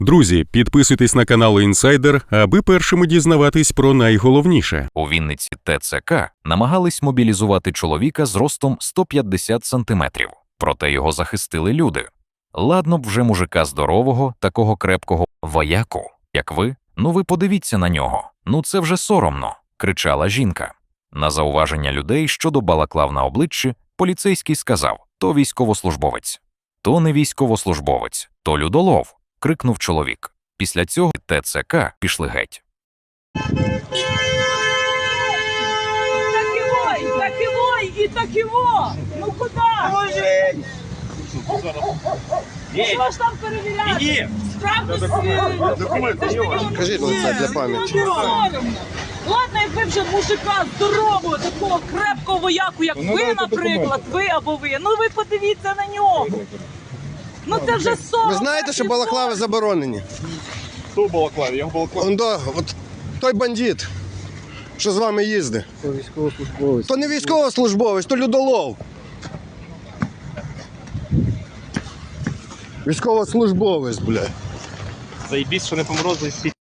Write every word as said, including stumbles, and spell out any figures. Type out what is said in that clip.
Друзі, підписуйтесь на канал Інсайдер, аби першими дізнаватись про найголовніше. У Вінниці ТЦК намагались мобілізувати чоловіка з ростом сто п'ятдесят сантиметрів. Проте його захистили люди. Ладно б вже мужика здорового, такого крепкого вояку, як ви. Ну ви подивіться на нього. Ну це вже соромно, кричала жінка. На зауваження людей щодо балаклав на обличчі поліцейський сказав: то військовослужбовець. То не військовослужбовець, то людолов, крикнув чоловік. Після цього ТЦК пішли геть. Так і так і і так і Ну куди? Положень! Що ж там перевіряти? Справді Документи. Кажіть, це для пам'яті. Ладно, якби вже мужика здорового, такого крепкого вояку, як Ну, ви, дайте наприклад, ви або ви. Ну ви подивіться на нього. Ну це вже сором. Ви знаєте, що балаклави заборонені? Хто в балаклаві? Я в балаклаві. Он до, от той бандит, що з вами їздить. То військовослужбовець. То не військовослужбовець, то людолов. Військовослужбовець, бля. Заєбісь, що не поморозили всі.